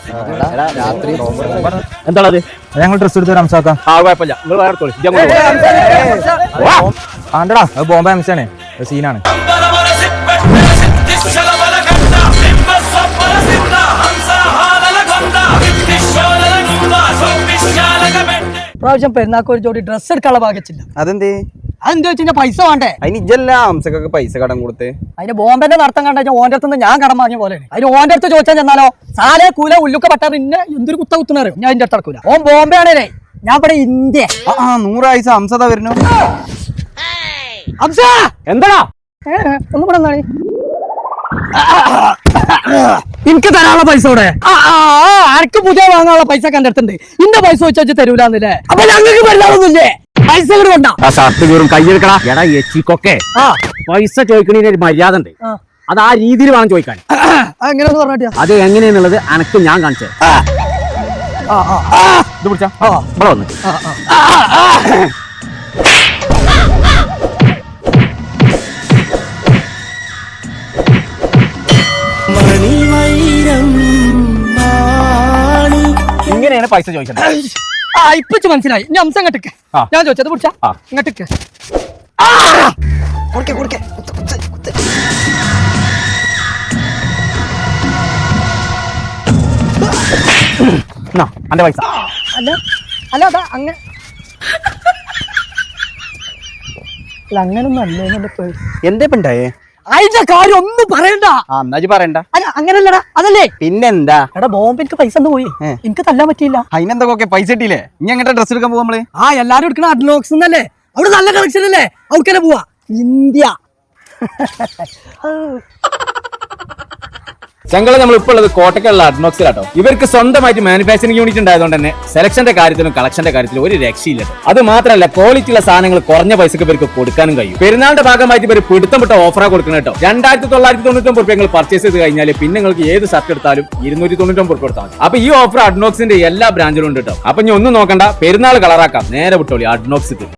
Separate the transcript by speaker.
Speaker 1: രാത്രി
Speaker 2: എന്താണത്?
Speaker 1: ഞങ്ങൾ ഡ്രസ് എടുത്ത് റംസാക്കാം.
Speaker 2: ആ കുഴപ്പമില്ല, നിങ്ങൾ വേറെ എടുത്തോളി.
Speaker 1: ആണ്ടടാ അത് ബോംബെ അംശാണ്, സീനാണ്.
Speaker 3: പ്രാവശ്യം പെരുന്നാക്ക് ഒരു ജോഡി ഡ്രസ് എടുക്കാനുള്ള ഭാഗ്യച്ചില്ല.
Speaker 1: അതെന്തേ?
Speaker 3: അതെന്താ വെച്ചാൽ പൈസ വേണ്ടേ?
Speaker 1: അതിന് ഇജ്ജല്ല ഹംസക്കൊക്കെ പൈസ കടം കൊടുത്ത്.
Speaker 3: അതിന് ബോംബെന്റെ നടത്തം കണ്ട ഓന്റെ അടുത്ത് ഞാൻ കടം വാങ്ങിയ പോലെയാണ്. അതിന് ഓന്റെ അടുത്ത് ചോദിച്ചാൽ ചെന്നാലോ സാലേ കൂല ഉള്ളുക്ക പറ്റാ പിന്നെ എന്തൊരു കുത്ത കുത്തുന്നറിയോ? ഞാൻ അതിന്റെ അടുത്ത് നടക്കൂല. ഓൻ ബോംബെ ആണേ, ഞാൻ ഇവിടെ ഇന്ത്യ.
Speaker 1: 100 ആയിസ ഹംസത വരുന്നു.
Speaker 3: ഹംസ
Speaker 2: എന്താടാ
Speaker 3: ഒന്നും കൂടെ എന്താണ് എനിക്ക് തരാനുള്ള പൈസ ഇവിടെ? ആർക്ക് പുതിയ വാങ്ങാനുള്ള പൈസ എന്റെ അടുത്തുണ്ട്. ഇന്റെ പൈസ വെച്ചു തരൂലെന്നല്ലേ? അപ്പൊ ഞങ്ങൾക്ക് വല്ലാതൊന്നുമില്ലേ? പൈസ കൂടെ കൊണ്ടാ
Speaker 2: ഷർട്ട് കീറും കയ്യെടുക്കടാ. എടാ എച്ചിക്കൊക്കെ പൈസ ചോദിക്കണതിന് ഒരു മര്യാദ ഉണ്ട്. അത് ആ രീതിയിൽ വേണം ചോദിക്കാൻ.
Speaker 3: എങ്ങനെയാന്ന് പറഞ്ഞിട്ട്
Speaker 2: അത് എങ്ങനെയാന്നുള്ളത് അനക്ക് ഞാൻ കാണിച്ചത്. ഇത് പിടിച്ചാ ഇവിടെ വന്ന് ഇങ്ങനെയാണ് പൈസ ചോദിക്കുന്നത്.
Speaker 3: ഇപ്പിച്ച് മനസ്സിലായി. ഇനി അംസം ഇങ്ങോട്ടേക്ക് ഞാൻ ചോദിച്ചത് പിടിച്ചാ ഇങ്ങോട്ടേക്ക്.
Speaker 2: അന്റെ പൈസ
Speaker 3: അല്ല അല്ല അതാ അങ്ങനെ അങ്ങനൊന്നും അല്ലേ പേര്.
Speaker 1: എന്തേ ഉണ്ടായേ?
Speaker 3: അതിന്റെ കാര്യം ഒന്നും പറയണ്ട.
Speaker 1: എന്നാജ് പറയണ്ട.
Speaker 3: അല്ല അങ്ങനല്ലടാ, അതല്ലേ
Speaker 1: പിന്നെന്താ?
Speaker 3: എടാ ബോംബെ എനിക്ക് പൈസ ഒന്ന് പോയി, എനിക്ക് തല്ലാൻ പറ്റിയില്ല.
Speaker 1: അതിനെന്തൊക്കെ പൈസ കിട്ടിയില്ലേ? ഇനി എങ്ങനെ ഡ്രസ് എടുക്കാൻ പോവാ നമ്മള്?
Speaker 3: എല്ലാരും എടുക്കണ അഡ്നോക്സ് എന്നല്ലേ? അവിടെ നല്ല കളക്ഷൻ അല്ലേ? അവിടേക്കന്നെ പോവാ. ഇന്ത്യ
Speaker 2: ഞങ്ങള് നമ്മൾ ഇപ്പോൾ ഉള്ളത് കോട്ടക്കുള്ള അഡ്നോക്സിലാട്ടോ. ഇവർക്ക് സ്വന്തമായിട്ട് മാനുഫാക്ചറിംഗ് യൂണിറ്റ് ഉണ്ടായതുകൊണ്ട് തന്നെ സെലക്ഷന്റെ കാര്യത്തിലും കളക്ഷന്റെ കാര്യത്തിലും ഒരു രക്ഷയില്ല. അത് മാത്രമല്ല ക്വാളിറ്റി ഉള്ള സാധനങ്ങൾ കുറഞ്ഞ പൈസക്ക് ഇവർക്ക് കൊടുക്കാനും കഴിയും. പെരുന്നാളിന്റെ ഭാഗമായിട്ട് ഇവർ പിടുത്തം വിട്ട ഓഫറാ കൊടുക്കണം കേട്ടോ. 2999 നിങ്ങൾ പർച്ചേസ് ചെയ്ത് കഴിഞ്ഞാൽ പിന്നെ നിങ്ങൾക്ക് ഏത് ഷർട്ട് എടുത്താലും 299 കൊടുത്താൽ മതി. അപ്പൊ ഈ ഓഫർ അഡ്നോക്സിന്റെ എല്ലാ ബ്രാഞ്ചിലും ഉണ്ട് കേട്ടോ. അപ്പൊ ഇനി ഒന്നും നോക്കണ്ട, പെരുന്നാൾ കളറാക്കാം, നേരെ വിട്ടോളി അഡ്നോക്സിക്ക്.